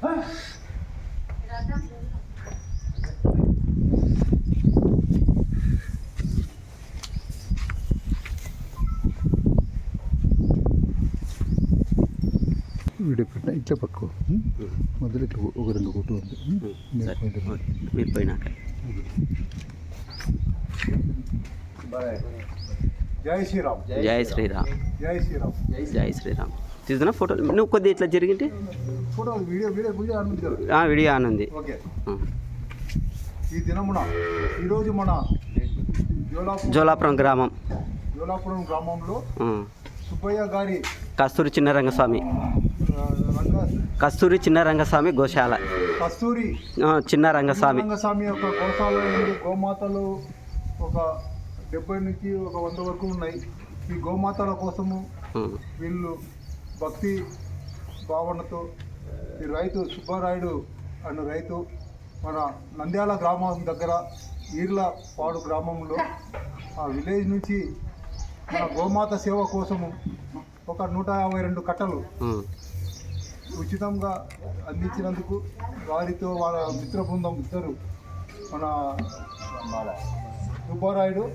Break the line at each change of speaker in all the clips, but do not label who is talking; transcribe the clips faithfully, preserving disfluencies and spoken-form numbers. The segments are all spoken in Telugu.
వీడియో పెట్టిన ఇట్లా పట్టుకో మొదలు ఇట్లా ఒక రెండు కొట్టు ఉంది
మీరు పోయినాక
జై శ్రీరామ్
జై శ్రీరామ్
జై శ్రీరామ్
జై శ్రీరామ్ తీసుకున్నా ఫోటో నువ్వు కొద్దిగా ఇట్లా జరిగింది
photo video video video on ఉంది
వీడియో ఆన్ ఉంది.
ఓకే ఈ దినమున ఈరోజు మన
జోలాపురం గ్రామం
జోలాపురం గ్రామంలో సుబ్బయ్య గారి
కస్తూరి చిన్నరంగస్వామి కస్తూరి చిన్నరంగస్వామి గోశాల
కస్తూరి
చిన్నరంగస్వామి
రంగస్వామి యొక్క గోశాల నుండి గోమాతలు ఒక డెబ్బై నుంచి ఒక వంద వరకు ఉన్నాయి. ఈ గోమాతల కోసము వీళ్ళు భక్తి భావనతో ఈ రైతు సుబ్బారాయుడు అన్న రైతు మన నంద్యాల గ్రామం దగ్గర ఈర్ల పాడు గ్రామంలో ఆ విలేజ్ నుంచి మన గోమాత సేవ కోసము ఒక నూట యాభై రెండు కట్టలు ఉచితంగా అందించినందుకు వారితో వాళ్ళ మిత్ర బృందం ఇద్దరు మన సుబ్బారాయుడు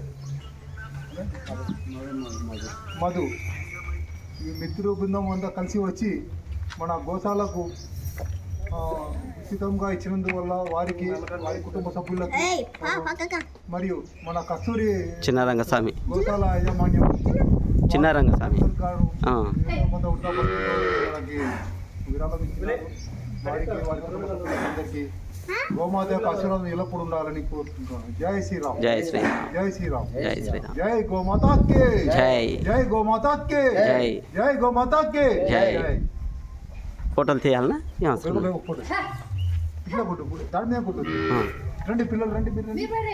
మధు ఈ మిత్ర బృందం అంతా కలిసి వచ్చి మన గోశాలకు ఉచితంగా ఇచ్చినందువల్ల వారికి వారి కుటుంబ సభ్యులకు మరియు మన కస్తూరి
చిన్నరంగస్వామి
గోశాల యాజమాన్యం
చిన్నరంగస్వామి
విరాళం ఇచ్చినారు. వారికి వారి కుటుంబ సభ్యులందరికీ గోమాత యొక్క ఆశీర్వాదం ఎల్లప్పుడు ఉండాలని కోరుకుంటున్నాను. జై శ్రీరామ్
జై శ్రీరామ్
జై శ్రీరామ్
జై శ్రీరామ్
జై గోమాతా కే
జై
జై గోమాతా కే
జై
జై గోమాతా కే
జై. ఫోటోలు తీయాలనా
ఇట్లా కొట్టు దాని మీద కొట్టు రండి పిల్లలు రండి మీరు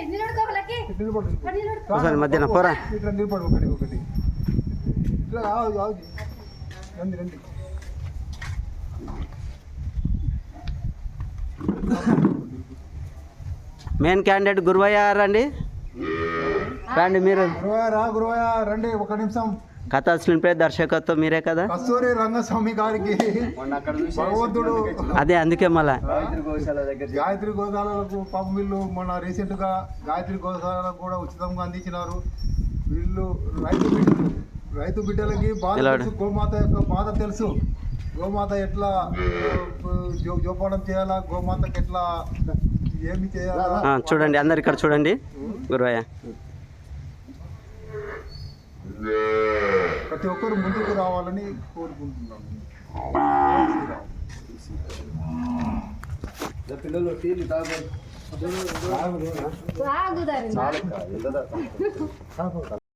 నిలబడు
మధ్యాహ్నం పోరా
ఇట్లా నిలబడు ఒకటి ఒకటి ఇట్లా రండి రండి
మెయిన్ క్యాండిడేట్ గురువయ్య రండి రండి మీరు
గురువయ్య రా గురువయ్య రండి ఒక నిమిషం
కథ స్క్రీన్ ప్లే దర్శకత్వం మీరే కదా
కస్తూరి రంగస్వామి గారికి భగవంతుడు
అదే అందుకే మళ్ళా
గాయత్రి గోశాలకు పాపం వీళ్ళు మన రీసెంట్ గా గాయత్రి గోశాలకు కూడా ఉచితంగా అందించినారు. వీళ్ళు రైతు బిడ్డలు రైతు బిడ్డలకి బాధ తెలుసు, గోమాత యొక్క బాధ తెలుసు. గోమాత ఎట్లా జోపానం చేయాలా, గోమాతకి ఎట్లా ఏమి చేయాలా
చూడండి అందరు ఇక్కడ చూడండి గురువయ్య.
ప్రతి ఒక్కరు ముందుకు రావాలని కోరుకుంటున్నాను. పిల్లలు టీలు తాగు